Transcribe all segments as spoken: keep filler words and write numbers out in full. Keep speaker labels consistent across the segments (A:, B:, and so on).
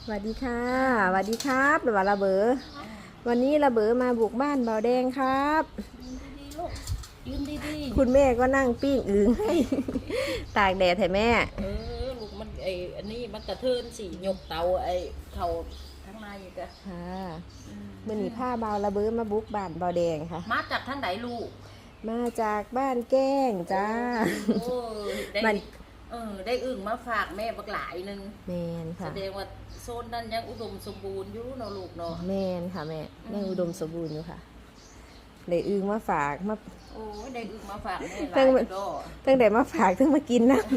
A: สวัสดีค่ะสวัสดีครับหรือว่าระเบอวันนี้ระเบอมาบุกบ้านเบาแดงครับ
B: ยืนดีๆ
A: คุณแม่ก็นั่งปิ้งอึ่งให้ตากแดดให้แม่
B: เออลูกมันไออันนี้มันกระเทินสีหยกเตาไอเขาทั้งในกะ
A: ค่ะเมื่อนี้ผ้าเบาระเบอมาบุกบ้านเบาแดงค่ะ
B: มาจากท่านไหนลูก
A: มาจากบ้านแก้งจ้า
B: โอ้ได้เออได้อึ่งมาฝากแม่บักหลายนึง
A: แมนค่ะ
B: แสดงว่าโซนนั้นยังอุดมสมบูรณ์อยู่เนาะลูกเนาะ
A: แมนค่ะแม่ยังอุดมสมบูรณ์อยู่ค่ะเลยอึ่งมาฝากมา
B: โอ้ได้อึ่งมาฝากแม่หลายดอก
A: ตั้งแต่มาฝากตั้งมากินนะ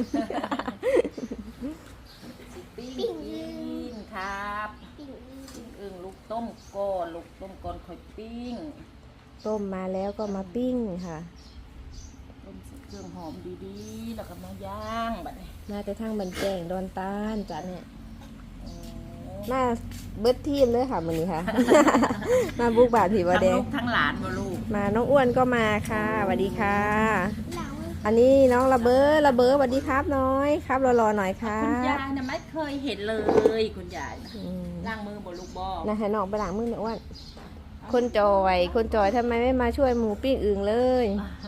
B: ปิ้งกินครับปิ้งอึ่งลูกต้มก่อนลูกต้มก่อนค่อยปิ้ง
A: ต้มมาแล้วก็มาปิ้งค่ะ
B: ต้มเครื่องหอมดีๆแล้วก็มาย่างแบบนี้
A: มาแต่ทั้งบันแจงดอนตาลจ้ะเนี่ยมาเบิดทีมเลยค่ะมื้อนี้ค่ะ มาบุกบาทผีบอแดง
B: ทั้งลูกทั้งหลานมาลูก
A: มาน้องอ้วนก็มาค่ะสวัสดีค่ะอันนี้น้องระเบ้อระเบ้อสวัสดีครับน้อยครับรอๆหน่อยค่ะ
B: คุณยายนะไม่เคยเห็นเลยคุณยายนะล้างมือบนลูกบอ
A: นะให้น้องไปล้างมือเนี่ยอ้วนคนจอยคนจอยทำไมไม่มาช่วยหมูปิ้งอึ่งเลย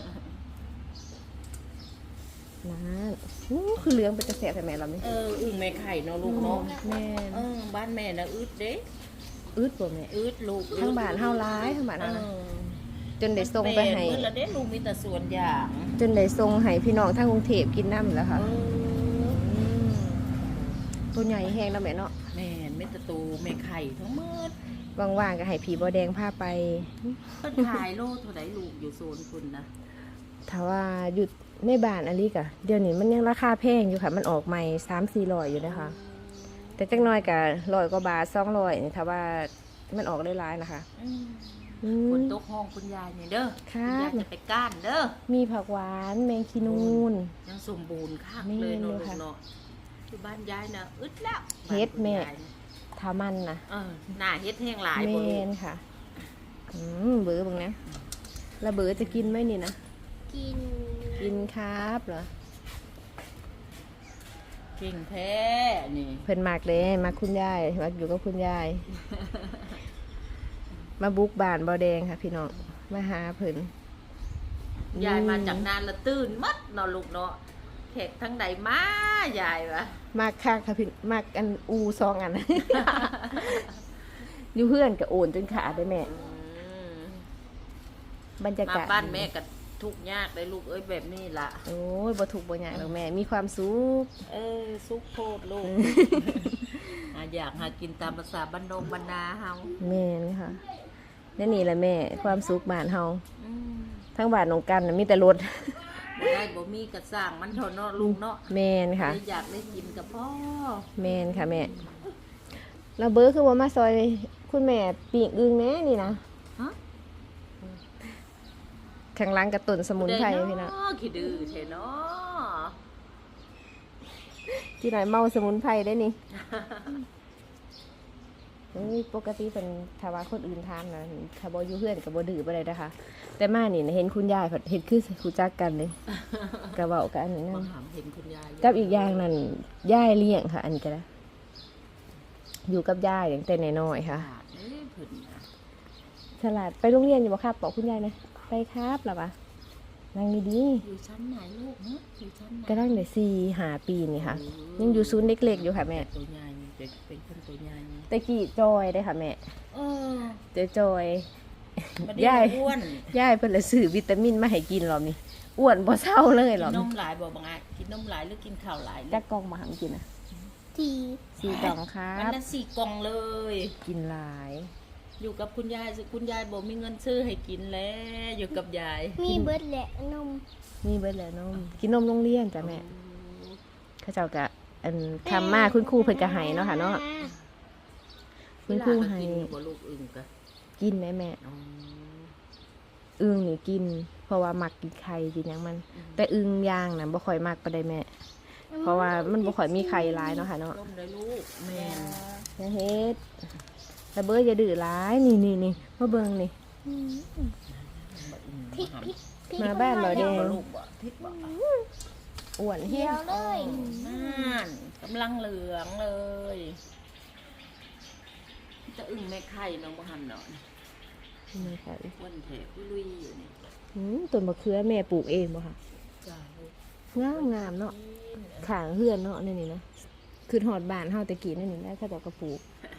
A: นั่นนี่คือเลี้ยงเป็นกระแสแต่แม่เราเนี่ย
B: เอออึ่งแม่ไข่เนาะลูกเนาะ
A: แม่
B: เออบ้านแม่นะอึดเด้
A: อึดป่ะแม่
B: อึดลูก
A: ทั้งบ้านเฮาร้ายทั้งบ้านนะจนได้ส่งไปให้
B: อึดแล้วเด้ลูกมีแต่ส่วนอย่าง
A: จนได้ส่งให้พี่น้องทั้งกรุงเทพกินน้ำแล้วค่ะตัวใหญ่แห้งแล้วแม่เนาะ
B: แม่ไม่ตะตูแม่ไข่ทั้งหมด
A: ว่างๆก็ให้ผีบอแดงพาไป
B: ก็ขายโลเท่าไหร่ลูกอยู่โซนคุณนะ
A: ถ้าว่าหยุดในบ้านอลิกะเดี๋ยวนี้มันยังราคาแพงอยู่ค่ะมันออกใหม่สามสี่ร้อยอยู่นะคะแต่จักน้อยกับร้อยกว่าบาทสองร้อยถ้าว่ามันออกได้ร้ายนะคะ
B: คนโต๊ะห้องคุณยายเนี่ยเด้อคุณยายจะไปก้านเด้อ
A: มีผักหวานแมงคีนูน
B: ยังสมบูรณ์ค่ะเลยเนาะเนาะที่บ้านยายนะอึดแล้ว
A: เฮ็ดแม่ทามันนะ
B: เออหน้าเฮ็ดแห้งหลาย
A: เมนค่ะอืมเบื่อบ้างนะแล้วเบื่อจะกินไหมนี่นะ
C: กิน
A: กินครับเหรอ
B: เก่งแท้นี่
A: เพิ่นมากเลยมาคุณยายมาอยู่กับคุณยายมาบุกบ้านบ่อแดงค่ะพี่น้องมาหาเพิ่น
B: ยายมาจากนานละตื่นมัดนอนลูกเนาะแขกทั้งใดมายายวะ
A: มากค่ะค่ะพี่มากอันอูซองอันอยู่เพื่อนกับโอนจนขาได้แม่บรรยากาศ
B: มาบ้านแม่กับทุกยากเลยลูกเอ้ยแบบนี้ล่ะ
A: โอ้ยบ่ทุกบ่ยากหรอกแม่มีความสุข
B: เออสุขโพดลูกอยากหากินตามภาษาบ้านนงบ้านนาเฮา
A: แม่นี่ค่ะนี่นี่แหละแม่ความสุขบ้านเฮาทั้งบ้านนงกันมีแต่รถ
B: บ่ได้บ่มีกระสร้างมันเท่าเนาะลูกเนาะ
A: แม่นค่ะ
B: อยากได้กินกับพ่อ
A: แม่นค่ะแม่เราเบอร์คือว่ามาซอยคุณแม่ปีกอึ่งแน่นี่นะข้างล่างกระตุนสมุนไพรพี่นะ
B: ขี้ดื้อเทเนาะ
A: ที่ไหนเมาสมุนไพรได้นี่ปกติเป็นถ้าว่าคนอื่นทานนะถ้าบอยู่เพื่อนกับบดื้อไปเลยนะคะแต่มานี่เห็นคุณยายเห็นคือคุณจักกันเลยกระเบากันนั่นกับอีกอย่างนั่นยายเลี้ยงค่ะอันนี้ก็ได้อยู่กับยายอย่างแต่น้อยๆค่ะฉลาดไปโรงเรียนอยู่บ่ครับบอกคุณยายนะไปครับหรอปะนั่งดี
B: ๆอยู่ชั้นไหนลูกเนาะอยู่ชั้นไหน
A: ก็ตั้งแต่สี่หาปีนี่ค่ะยังอยู่ศูนย์เล็กๆอยู่ค่ะแม่
B: ตัวใหญ่เป็นคนตัวใหญ่
A: ตะกี้จอยได้ค่ะแม่
B: เออ
A: เจอจอยย่ายอ้วนย่ายเพิ่นละซื้อวิตามินมาให้กินหรอนี่อ้วนบ่เศร้าเลยหรอ
B: กินนมหลายบ่บางอ่ะกินนมหลายหรือกินข้าวหลาย
A: จักกล่องมาหังกินอ่ะ
C: สี่
A: สี่กล่องครับ
B: อันนั้นสี่กล่องเลย
A: กินหลาย
B: อยู่กับคุณยายคุณยายบอกมีเงินซื้อให้กินแล้วอยู่กับยาย
C: มีเบิร์ดแหละนม
A: มีเบิร์ดแหละนมกินนมโรงเรียนจ้ะแม่ข้าเจ้ากะอันทำมาคุณครูเพิ่นกะให้เนาะค่ะเนาะคุณครูให้กินไหมแม่อึ่งนี่กินเพราะว่ามักกินไข่กินอย่างมันแต่อึ่งย่างน่ะบ่ค่อยมักปานใดแม่เพราะว่ามันบ่ค่อยมีไข่หลายเนาะค่ะเนาะ
B: แม่
A: อย่าเฮ็ดแต่เบอร์อย่าดื้อร้ายนี่นี่นี่มาเบิ่งนี่มาบ้านเราเด้อ้วนเหี้ยว
C: เลย
B: นั่นกำลังเหลืองเลยอึ้งแม่ไข่น้องบ่หันเนาะ
A: นี่ค่ะ
B: วันแถกุลุยอยู่นี่
A: อืมต้นมะเขือแม่ปลูกเองบ่ค่ะ
B: จ้าลูก
A: งามงามเนาะขางเฮือนเนาะนี่นี่นะคือหอดบ้านเฮาแตะกี้นี่นี่ได้เขาเจ้าก็ปลูก
B: เ